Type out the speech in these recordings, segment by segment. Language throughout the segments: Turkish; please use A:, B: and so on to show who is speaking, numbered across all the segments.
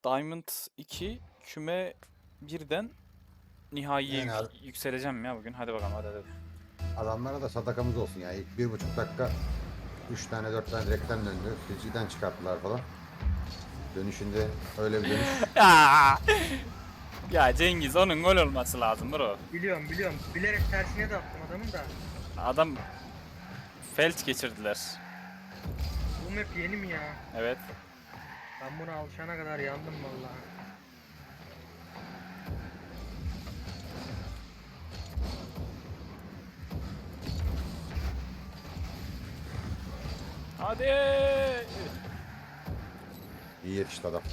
A: Diamond 2 küme 1'den nihaiye
B: Yani
A: yükseleceğim ya bugün. Hadi bakalım hadi.
B: adamlara da sadakamız olsun ya. İlk 1,5 dakika 3 tane 4 tane direkten döndü. Fizikten çıkarttılar falan. Dönüşünde öyle bir dönüş.
A: Ya, ya Cengiz onun gol olması lazım bro.
C: Biliyorum. Bilerek tersine de attım adamın da.
A: Adam felç geçirdiler.
C: Bu map yeni mi ya?
A: Evet.
C: Ben buna alışana kadar yandım vallahi.
A: Hadi.
B: İyi yetişti adam.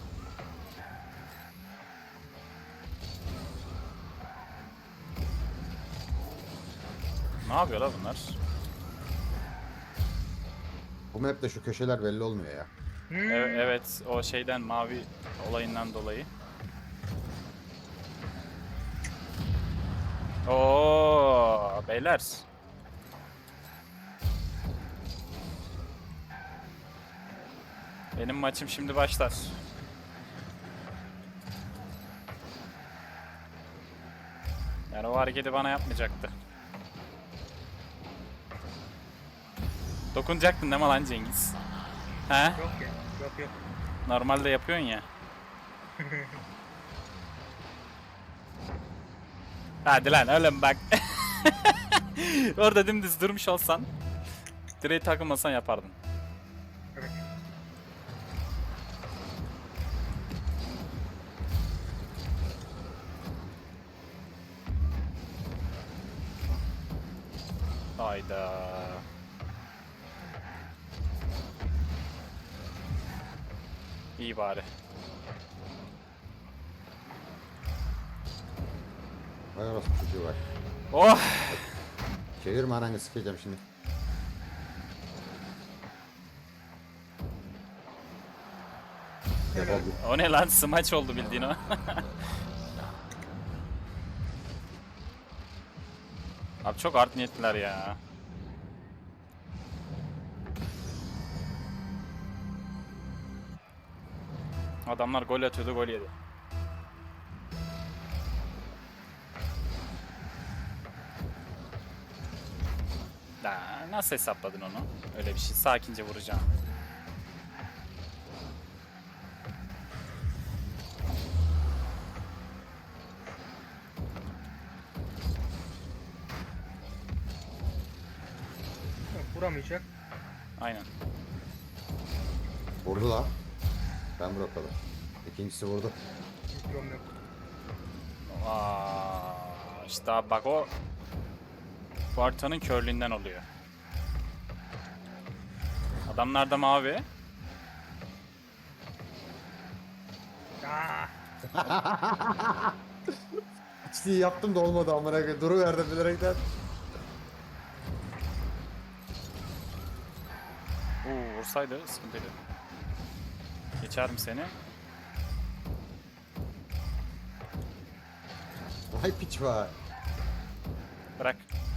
A: Ne yapıyor la bunlar?
B: Bu map'te şu köşeler belli olmuyor ya.
A: Evet, o şeyden mavi olayından dolayı. Oo beyler. Benim maçım şimdi başlar. Yani o hareketi bana yapmayacaktı. Dokunacaktın değil mi lan Cengiz? He?
C: Yok ya. Yok.
A: Normalde yapıyorsun ya. Hadi lan oğlum bak. Orada dümdüz durmuş olsan, direğe takılmasan yapardın.
C: Evet.
A: Hayda. İyi bari.
B: Vay orası çocuğu var.
A: Oh!
B: Çevirme ananı sikeceğim şimdi. Defol git.
A: O ne lan? Smaç oldu bildiğin o. Abi çok art niyetliler ya. Adamlar gol atıyordu, gol yedi. Nasıl hesapladın onu? Öyle bir şey. Sakince vuracağım.
C: Vuramayacak.
A: Aynen.
B: Vurdu la. Ben bırakalım. İkincisi vurdu.
C: Yok.
A: İşte abi bak o Barta'nın körlüğünden oluyor. Adamlar da mavi.
C: Aa,
B: İşte yaptım da olmadı amına koyayım. Duruverdim bilerekten.
A: Vursaydı sıkıntıydı. Geçerim seni.
B: Vay piç var.
A: Bırak.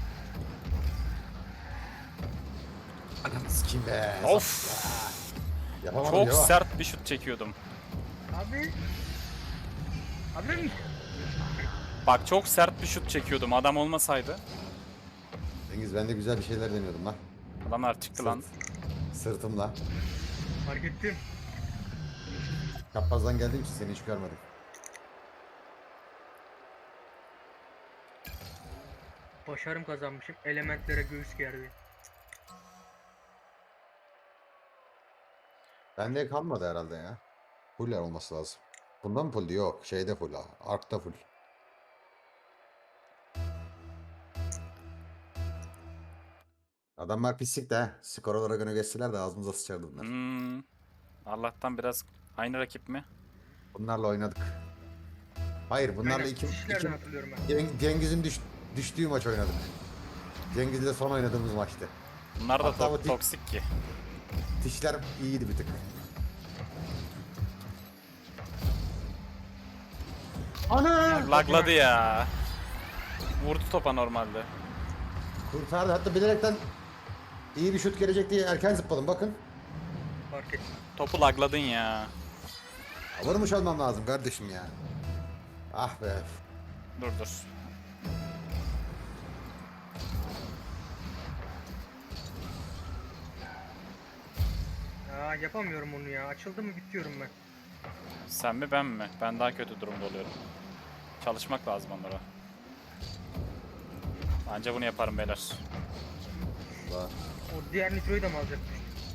B: Ananı sikeyim be.
A: Of!
B: Yapamadım
A: Çok
B: ya.
A: sert bir şut çekiyordum.
C: abi. Abi.
A: Bak çok sert bir şut çekiyordum. Adam olmasaydı.
B: Cengiz ben de güzel bir şeyler deniyordum lan.
A: Adamlar çıktı lan.
B: Sırtımla.
C: Fark ettim.
B: Kapazdan geldiğim için seni hiç görmedim.
C: Başarım kazanmışım. Elementlere göğüs gerdi.
B: Bende kalmadı herhalde ya. Full olması lazım. Bunda mı full? Yok. Şeyde full. Ark'ta full. Adamlar pislik de he. Skor olarak öne geçseler de ağzımıza sıçardı bunlar.
A: Allah'tan biraz aynı rakip mi?
B: Bunlarla oynadık. Hayır bunlarla
C: Aynen,
B: iki
C: dişlerden hatırlıyorum ben.
B: Cengiz'in düştüğü maç oynadık. Cengiz'le son oynadığımız maçtı.
A: Bunlar da
B: Hatta o
A: toksik ki.
B: Dişler iyiydi bir tık. Ana!
A: Lagladı ya. Vurdu topa normalde.
B: Kurtardı. Hatta bilerekten iyi bir şut gelecek diye erken zıpladım bakın.
C: Fark ettim.
A: Topu lagladın ya.
B: Vurmuş olmam lazım kardeşim ya. Ah be.
A: Dur.
C: Aa, yapamıyorum onu ya. Açıldı mı bitiyorum ben.
A: Sen mi ben mi? Ben daha kötü durumda oluyorum. Çalışmak lazım onlara. Anca bunu yaparım beyler.
B: Allah.
C: O diğer nitroyu da mı alacakmış?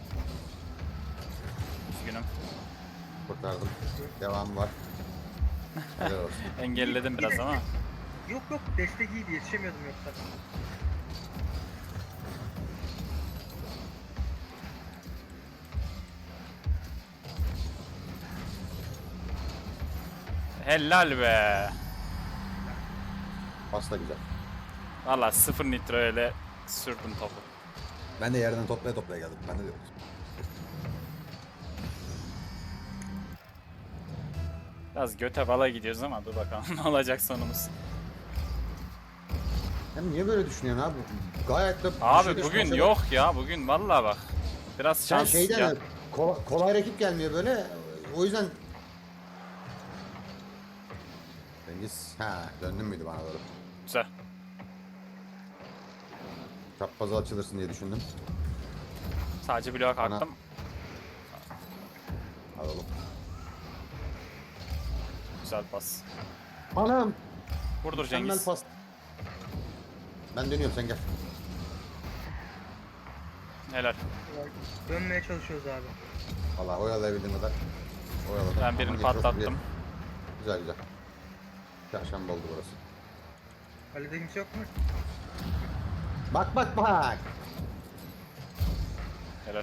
A: Üzgünüm.
B: Kurtardım. Devamı var. Helal olsun.
A: Engelledim biraz ama.
C: Yok destek iyiydi, yetişemiyordum yoksa.
A: Helal be.
B: Pasta güzel.
A: Valla 0 nitro ile sürdüm topu.
B: Ben de yerden toplaya geldim. Ben de diyorum.
A: Biraz göte bala gidiyoruz ama dur bakalım ne olacak sonumuz.
B: Sen niye böyle düşünüyorsun abi? Gayet de...
A: Abi
B: bir şey
A: bugün
B: düşünmese-
A: yok ya, bugün vallahi bak. Biraz
B: Sen
A: şans
B: şeyden
A: ya.
B: kolay rakip gelmiyor böyle. O yüzden... Cengiz, döndün müydü bana doğru?
A: Güzel.
B: Çaprazı açılırsın diye düşündüm.
A: Sadece bloğa
B: Bana-
A: kalktım.
B: Alalım.
A: Güzel pas.
B: Anam!
A: Vurdur
B: Mükemmel
A: Cengiz.
B: pas. Ben dönüyorum, sen gel.
A: Helal.
C: Dönmeye çalışıyoruz abi.
B: Valla oyalayabildiğin kadar oyaladım.
A: Ben birini
B: Ama geçiyorsun
A: patlattım.
B: diye. Güzel. Çarşamba oldu burası.
C: Kalede kimse yok mu?
B: Bak!
A: Helal.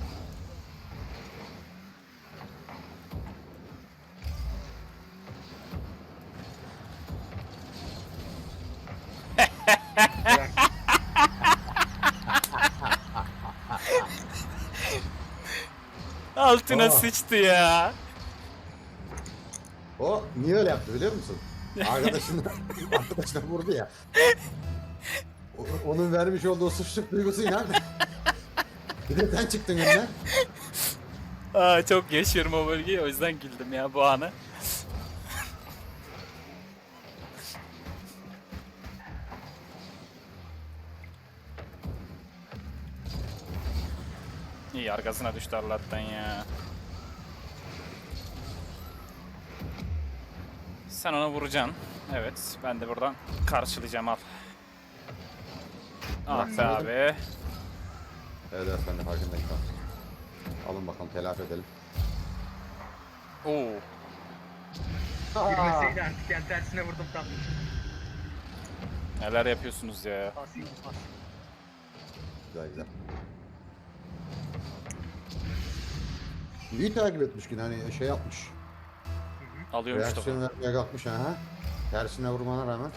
C: Güzel.
A: Altına
B: Aa.
A: sıçtı ya.
B: O niye öyle yaptı biliyor musun? Arkadaşına vurdu ya. Onun vermiş olduğu suçluluk duygusuyla bir de sen çıktın önüne.
A: Aa, çok yaşıyorum o bölgeyi, o yüzden güldüm ya bu anı. İyi, arkasına düştü Allah'tan ya. Sen ona vuracaksın. Evet, ben de buradan karşılayacağım, al. Ah be abi.
B: Evet ben de farkındayım. Alın bakalım, telafi edelim.
A: Oo.
C: Girmeseydi artık, yani tersine vurdum tam.
A: Neler yapıyorsunuz ya?
C: Pas.
B: Güzel. İyi takip etmiş yine, hani şey yapmış.
A: Alıyormuş
B: Reaksiyon
A: topu.
B: vermeye kalkmış ha. Tersine vurmana rağmen.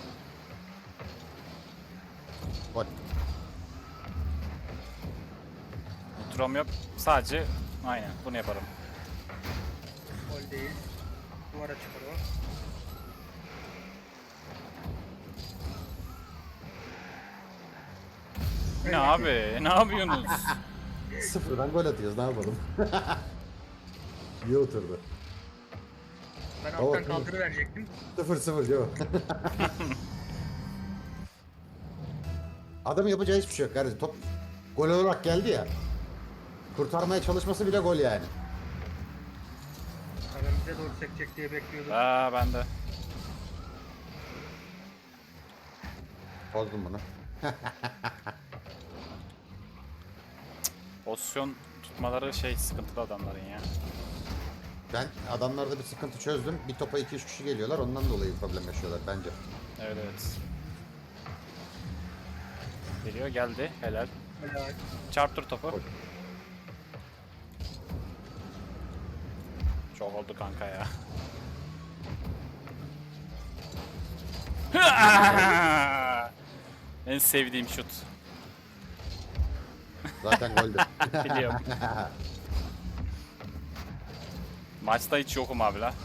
B: Gol.
A: Nitrom yok. Sadece aynen bunu yaparım.
C: Gol değil. Duvara çıkar o.
A: Ne abi? Ne yapıyorsunuz?
B: Sıfırdan gol atıyoruz, ne yapalım? İyi oturdu.
C: Ben
B: Tamam,
C: alttan
B: tamam.
C: kaldırıverecektim.
B: 0-0 yok. Adamın yapacağı hiçbir şey yok kardeşim. Top gol olarak geldi ya. Kurtarmaya çalışması bile gol yani.
C: Adam bize doğru sekecek diye bekliyordum.
A: Aa, ben de.
B: Bozdum bunu.
A: Pozisyon tutmaları şey sıkıntılı adamların ya.
B: Ben adamlarda bir sıkıntı çözdüm. Bir topa 2-3 kişi geliyorlar. Ondan dolayı problem yaşıyorlar bence.
A: Evet. Geliyor, geldi. Helal.
C: Helal.
A: Çarptır topu.
B: Gol.
A: Çok oldu kanka ya. En sevdiğim şut.
B: Zaten goldü.
A: Biliyorum. Maçta hiç yokum abi la.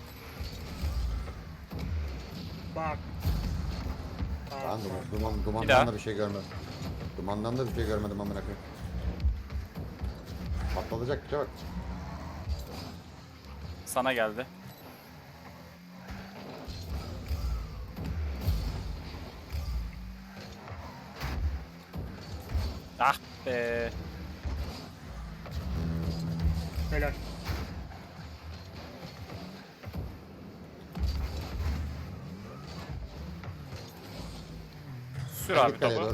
C: Bak.
B: Ben
A: Bir
B: dumandan
A: daha.
B: da bir şey görmedim. Dumandan da bir şey görmedim amına koyayım. Patlatacak bir şey bak.
A: Sana geldi. Ah be.
C: Helal.
A: Sür abi
B: Kaleye
A: topu.
B: doğru.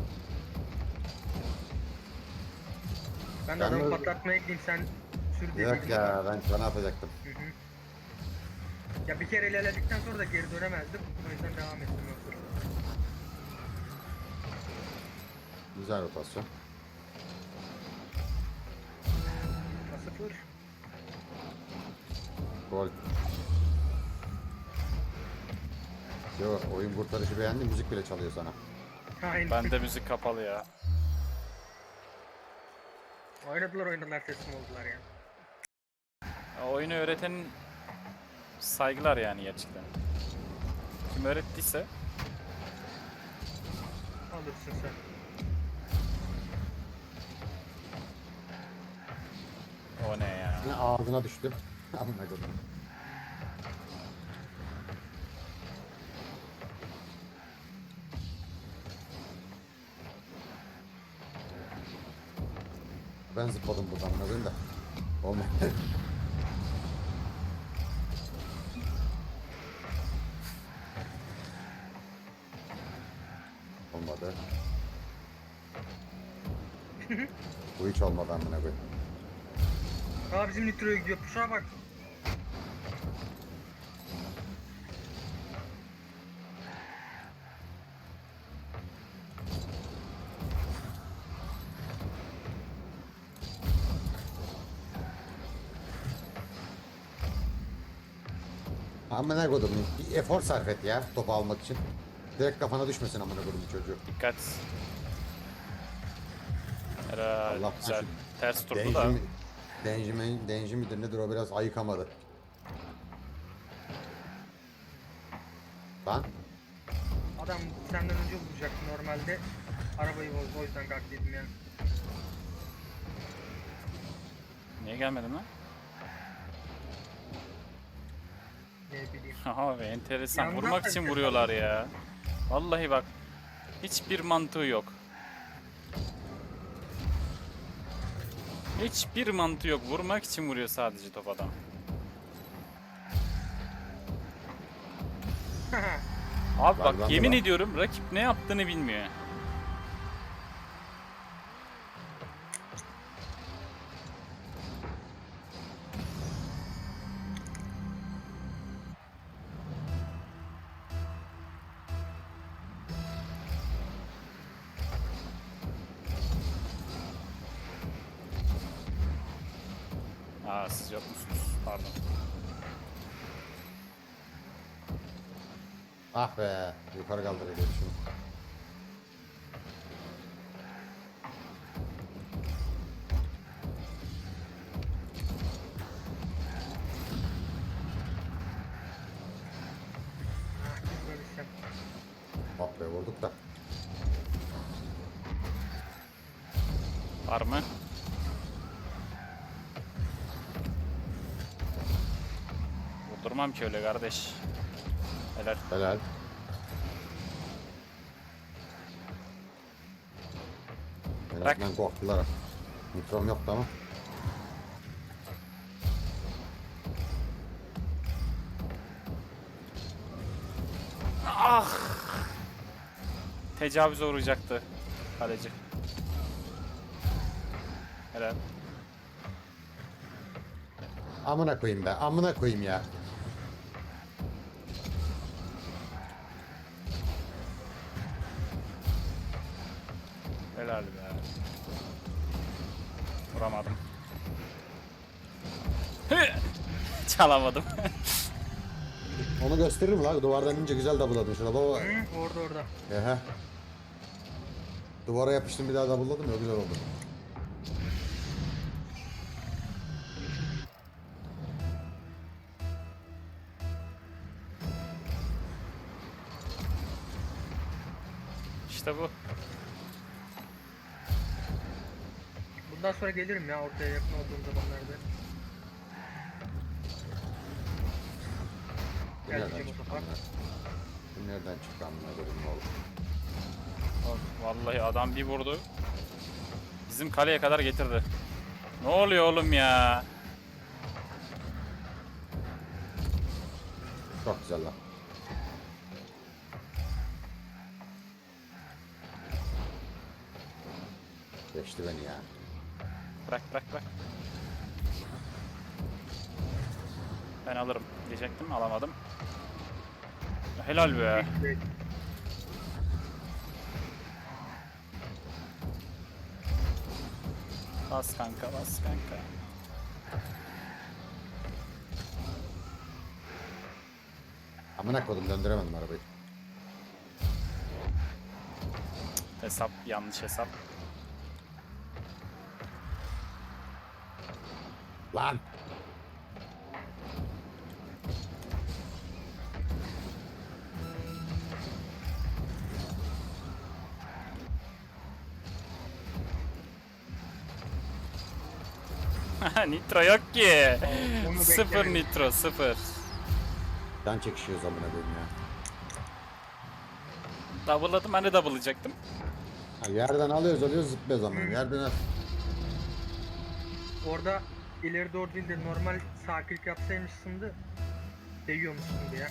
C: Ben de
B: Ben
C: adamı
B: de-
C: patlatmaya gideyim, sen sür diye
B: Yok
C: dedim.
B: ya, ben sana yapacaktım.
C: Hı hı. Ya bir kere ilerledikten sonra da geri dönemezdim. O yüzden devam ettim yoksa.
B: Güzel rotasyon.
C: 0.
B: Gol. Yo, oyun kurtarışı beğendi, müzik bile çalıyor sana.
C: Aynen.
A: Bende müzik kapalı ya.
C: Oynadılar teslim oldular ya.
A: Oyunu öğretenin saygılar yani gerçekten. Kim öğrettiyse
C: Alırsın sen.
A: o ne ya.
B: Yine ağzına düştüm. Amına koydum. Ben zıpladım buradan amına koyayım da. Olmadı. Olmadı. Bu hiç olmadı amına koyayım.
C: Aa, bizim nitroya gidiyor. Şuna bak.
B: Amına koydum. Bir efor sarf et ya topu almak için. Direkt kafana düşmesin amına koydum çocuğu.
A: Dikkat. Herhalde
B: Allah
A: güzel.
B: korusun.
A: Ters turdu da.
B: Denji midir nedir o biraz ayıkamadı. Lan
C: Adam senden önce vuracak normalde. Arabayı bozdu, o yüzden kalk dedim ya.
A: Niye gelmedin lan?
C: Ne bileyim.
A: Abi enteresan.
C: Yandan
A: Vurmak
C: da
A: için
C: enteresan.
A: vuruyorlar ya. Vallahi bak. Hiçbir mantığı yok. Hiçbir mantığı yok. Vurmak için vuruyor sadece top adam. Abi
B: Var,
A: bak
B: bende
A: yemin
B: var.
A: ediyorum rakip ne yaptığını bilmiyor. Aa siz yok musunuz? Pardon.
B: ah be yukarı kaldırıyor şunu.
C: Böyle şey.
B: Ah be vurduk da.
A: Var mı? Vurdurmam ki öyle kardeş. Helal.
B: Helal. En
A: Bak.
B: azından korktular. Mikrom yoktu ama.
A: Ah! Tecavüze uğrayacaktı kaleci. Helal.
B: Amına koyayım be. Amına koyayım ya.
A: Helal be. Vuramadım. Çalamadım.
B: Onu gösterir mi lan? Duvardan ince güzel double'ladın şuna baba.
C: Hı, orada.
B: Ehe. Duvara yapıştım bir daha double'ladım ya güzel oldu.
A: İşte bu.
C: Bundan sonra gelirim ya ortaya yakın olduğum zamanlarda.
B: Bu
C: Gel
B: nereden
C: diyeceğim
B: çıktı?
C: otopark.
B: Bu nereden çıktı amına koyayım oğlum?
A: Vallahi adam bir vurdu. Bizim kaleye kadar getirdi. Ne oluyor oğlum ya?
B: Çok güzel lan. Geçti beni ya.
A: Bırak bırak bırak. Ben alırım diyecektim, alamadım. Helal be.
C: Evet.
A: Bas kanka, bas kanka.
B: Amına koydum, döndüremedim arabayı.
A: Hesap, yanlış hesap.
B: Lan!
A: Nitro yok ki.
C: Onu
A: Sıfır
C: beklemedim.
A: nitro, sıfır.
B: Can çekişiyoruz amına koyayım ya.
A: Double'ladım, ben de double'layacaktım.
B: Ha, yerden alıyoruz zıplıyoruz amına. Yerden al.
C: Orada ileri doğru değil de normal sağ klik yapsaymışsın da değiyormuşsun diye.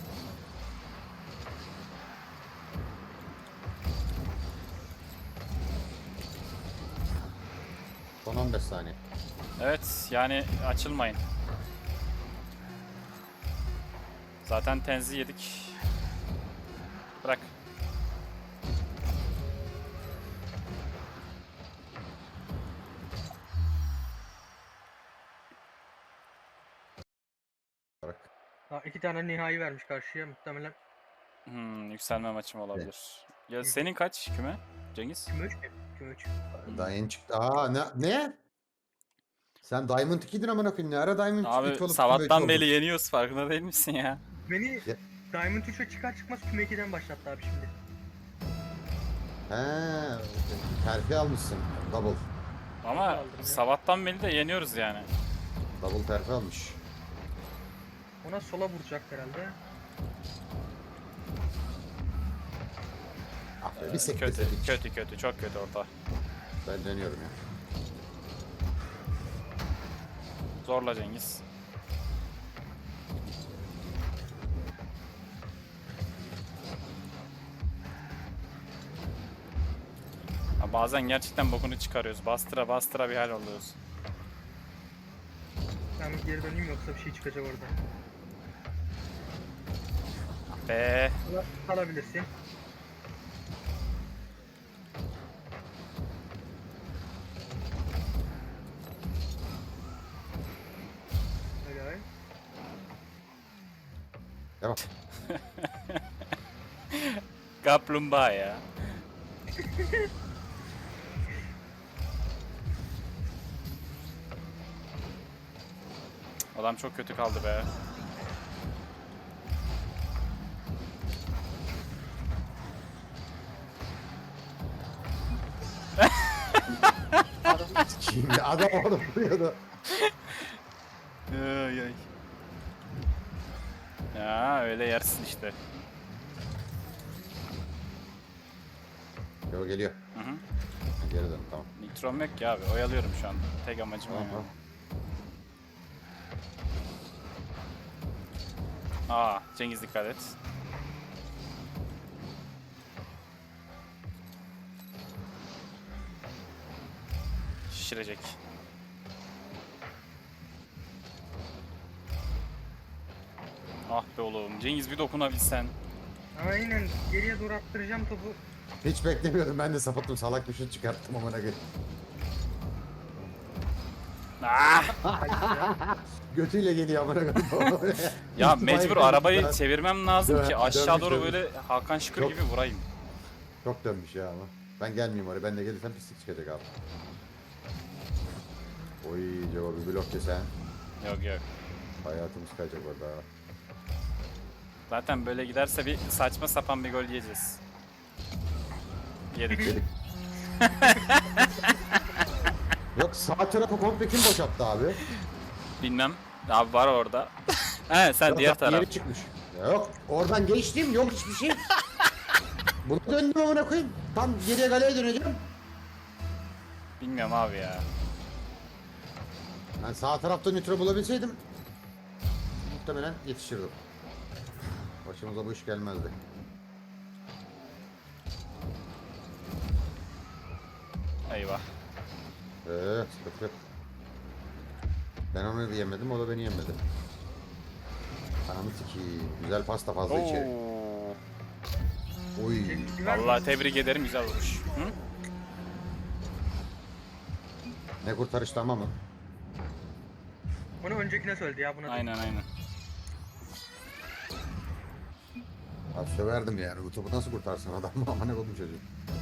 B: Son 15 saniye.
A: Evet, yani açılmayın. Zaten tenzi yedik. Bırak.
B: Bırak.
C: Ha, 2 tane nihai vermiş karşıya muhtemelen.
A: Yükselme maçım olabilir. Ya senin kaç küme Cengiz?
C: Küme 3 mü? Küme 3.
B: Daha yeni çıktı. Aa ne? Sen Diamond 2'din amına koyayım. Ne ara Diamond 2
A: Abi
B: olup küme üç
A: sabahtan
B: oldun?
A: beri yeniyoruz, farkında değil misin ya?
C: Beni
B: Ya-
C: Diamond 3'e çıkar çıkmaz küme 2'den başlattı abi şimdi.
B: He, terfi almışsın. Double.
A: Ama
C: Aldım ya.
A: sabahtan beri de yeniyoruz yani.
B: Double terfi almış.
C: Ona sola vuracak herhalde.
B: Ah be, bir sekte
A: Kötü,
B: sedik.
A: kötü, kötü, çok kötü orada.
B: Ben dönüyorum ya.
A: Zorla Cengiz. Ya bazen gerçekten bokunu çıkarıyoruz. Bastıra bastıra bir hal oluyoruz.
C: Ben bir geri döneyim yoksa bir şey çıkacak orada.
A: Be.
C: Alabilirsin. Helal.
B: Devam.
A: Kaplumbağa ya. Adam çok kötü kaldı be.
B: Şimdi adam orada vuruyordu.
A: Ay ay. Ya öyle yersin işte.
B: Yo, geliyor.
A: Hı hı.
B: Geri dön, tamam.
A: Nitrom yok ki abi. Oyalıyorum şu an. Tek amacım o.
B: Tamam,
A: yani.
B: tamam.
A: Aa, Cengiz dikkat et. Şişirecek. Ah be oğlum. Cengiz bir dokunabilsen.
C: Aynen geriye doğru attıracağım topu.
B: Hiç beklemiyordum, ben de sapıttım, salak bir şut çıkarttım amına koyayım.
A: Ah!
B: Götüyle geliyor amına koyayım.
A: Ya
B: İhtimal
A: mecbur
B: yok.
A: arabayı çevirmem lazım
B: Dön-
A: ki aşağı
B: dönmüş,
A: doğru
B: dönmüş.
A: böyle Hakan Şükür
B: Çok-
A: gibi vurayım.
B: Çok dönmüş ya ama. Ben gelmeyeyim oraya, ben de gelirsem pislik çıkacak abi. Oy cevabı blok yesen.
A: Yok yok.
B: Hayatımız kayacak orada.
A: Zaten böyle giderse bir saçma sapan bir gol yiyeceğiz. Yedik.
B: Yedik. Yok, sağ tarafı komple kim boşalttı abi?
A: Bilmem. Abi var orada. He sen
B: Yok,
A: diğer
B: bak,
A: taraf.
B: Diğeri çıkmış. Yok oradan geçtim yok hiçbir şey. Bunu döndüm amına koyayım. Tam geriye galeye döneceğim.
A: Bilmiyorum abi ya.
B: Ben sağ tarafta nitro bulabilseydim muhtemelen yetişirdim. Başımıza bu iş gelmezdi.
A: Eyvah.
B: Sıkıntı yok. Ben onu yemedim, o da beni yemedi. Anamı sikeyim. Güzel pasta fazla içeri.
A: Oo.
B: Oy.
A: Vallahi tebrik ederim, güzel vuruş. Hı?
B: Ne kurtarıştı ama mı?
C: Onu öncekine söyledi ya buna.
A: Aynen aynen.
B: Abi söverdim yani. Bu topu nasıl kurtarsın adam mı? Ama ne oldu çocuğum?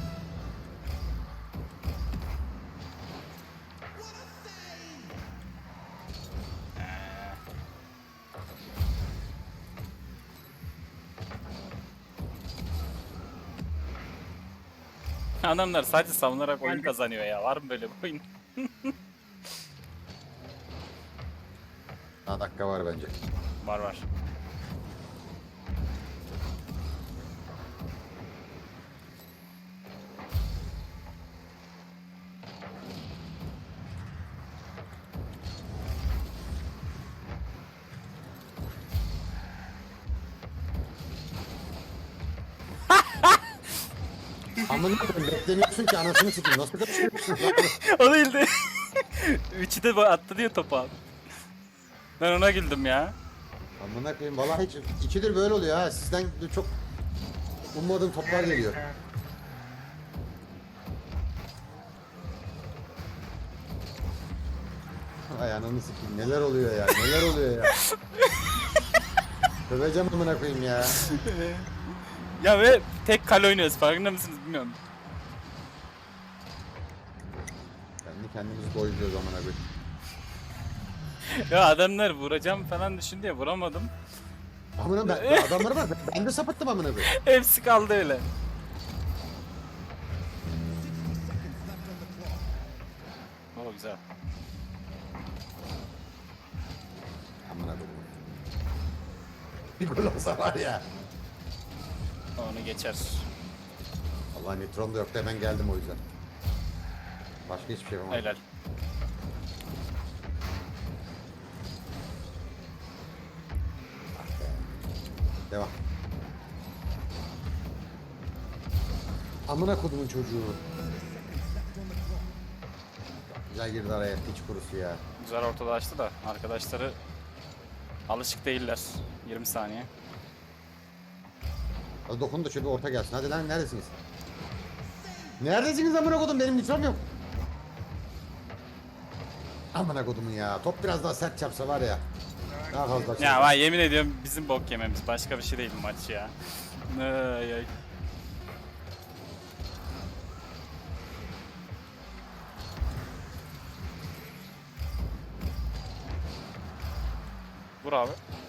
A: Adamlar sadece savunarak oyun
C: Geldi.
A: kazanıyor ya. Var mı böyle bir oyun?
B: Daha dakika var bence.
A: Var var.
B: Amına koyayım beklemiyorsun ki anasını sikeyim. Nasıl kaçırıyorsun?
A: O değildi. Üçü de attı diye topu abi. Ben ona güldüm ya.
B: Amına koyayım vallahi hiç ikidir böyle oluyor ha. Sizden de çok ummadığım toplar geliyor. Ay ananı sikeyim neler oluyor ya neler oluyor ya. Söveceğim amına koyayım ya.
A: Ya ve tek kale oynuyoruz, farkında mısınız bilmiyorum.
B: Kendi kendimizi doyuruyoruz amına koyayım.
A: Ya adamlar vuracağım falan düşündü ya, vuramadım.
B: Amına ben adamları var ben de sapıttım amına koyayım.
A: Hepsi kaldı öyle. O güzel.
B: Amına koyayım. Bir gol olsa var ya.
A: Onu geçer.
B: Allah nitron da yoktu hemen geldim o yüzden. Başka hiçbir şey yapamadım.
A: Helal.
B: Devam. Amına kodumun çocuğu. Güzel girdi araya piç kurusu ya.
A: Güzel ortada açtı da arkadaşları alışık değiller. 20 saniye.
B: Hadi dokun da şöyle bir orta gelsin. Hadi lan neredesiniz? Neredesiniz amına kodum benim nitrom yok. Amına kodumun ya. Top biraz daha sert çarpsa var ya. Daha fazla.
A: Ya vay, yemin ediyorum bizim bok yememiz, başka bir şey değil bu maç ya. Ay ay. Vur abi.